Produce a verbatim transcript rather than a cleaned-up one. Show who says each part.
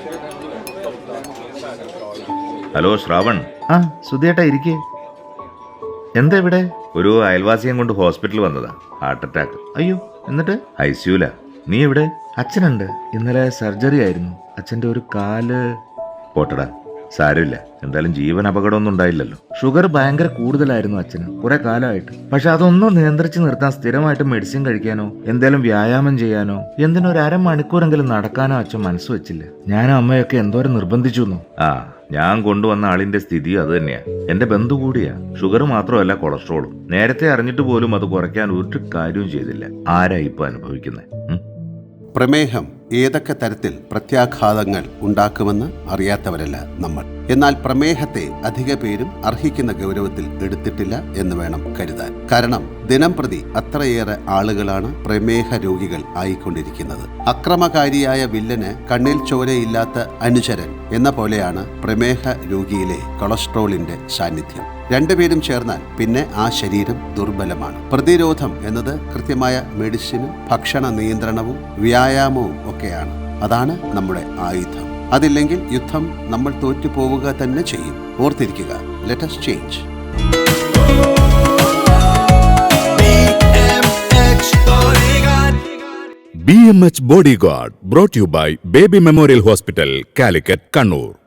Speaker 1: Hello Shravan.
Speaker 2: ആ സുധിയേട്ടാ ഇരിക്കേ. എന്താ ഇവിടെ?
Speaker 1: ഒരു അയൽവാസിയെ കൊണ്ട് ഹോസ്പിറ്റലിൽ വന്നതാ. Heart attack.
Speaker 2: അയ്യോ, എന്നിട്ട്?
Speaker 1: ഐ സിയുല. നീ എവിടെ?
Speaker 2: അച്ഛനുണ്ട്. ഇന്നലെ സർജറി ആയിരുന്നു. അച്ഛൻ്റെ ഒരു കാല്.
Speaker 1: പോട്ടടാ, സാരമില്ല. എന്തായാലും ജീവൻ അപകടമൊന്നും ഉണ്ടായില്ലല്ലോ.
Speaker 2: ഷുഗർ ഭയങ്കര കൂടുതലായിരുന്നു അച്ഛന് കുറെ കാലമായിട്ട്. പക്ഷെ അതൊന്നും നിയന്ത്രിച്ച് നിർത്താൻ സ്ഥിരമായിട്ട് മെഡിസിൻ കഴിക്കാനോ എന്തേലും വ്യായാമം ചെയ്യാനോ എന്തിനോ ഒരു അരമണിക്കൂറെങ്കിലും നടക്കാനോ അച്ഛൻ മനസ്സ് വെച്ചില്ല. ഞാനും അമ്മയൊക്കെ എന്തോരം നിർബന്ധിച്ചു.
Speaker 1: ആ, ഞാൻ കൊണ്ടുവന്ന ആളിന്റെ സ്ഥിതി അത് തന്നെയാ. എന്റെ ബന്ധു കൂടിയാ. ഷുഗർ മാത്രമല്ല, കൊളസ്ട്രോളും. നേരത്തെ അറിഞ്ഞിട്ട് പോലും അത് കുറയ്ക്കാൻ ഒരു കാര്യവും ചെയ്തില്ല. ആരാ ഇപ്പൊ അനുഭവിക്കുന്നത്?
Speaker 3: പ്രമേഹം ഏതൊക്കെ തരത്തിൽ പ്രത്യാഘാതങ്ങൾ ഉണ്ടാക്കുമെന്ന് അറിയാത്തവരല്ല നമ്മൾ. എന്നാൽ പ്രമേഹത്തെ അധിക പേരും അർഹിക്കുന്ന ഗൗരവത്തിൽ എടുത്തിട്ടില്ല എന്ന് വേണം കരുതാൻ. കാരണം ദിനം പ്രതി അത്രയേറെ ആളുകളാണ് പ്രമേഹ രോഗികൾ ആയിക്കൊണ്ടിരിക്കുന്നത്. അക്രമകാരിയായ വില്ലന് കണ്ണിൽ ചോരയില്ലാത്ത അനുചരൻ എന്ന പോലെയാണ് പ്രമേഹ രോഗിയിലെ കൊളസ്ട്രോളിന്റെ സാന്നിധ്യം. രണ്ടുപേരും ചേർന്നാൽ പിന്നെ ആ ശരീരം ദുർബലമാണ്. പ്രതിരോധം എന്നത് കൃത്യമായ മെഡിസിനും ഭക്ഷണ നിയന്ത്രണവും വ്യായാമവും ഒക്കെയാണ്. അതാണ് നമ്മുടെ ആയുധം. അതില്ലെങ്കിൽ യുദ്ധം നമ്മൾ തോറ്റുപോവുക തന്നെ ചെയ്യും. ഓർത്തിരിക്കുക, let us change.
Speaker 4: B M H Bodyguard brought you by Baby Memorial Hospital, Calicut, Kannur.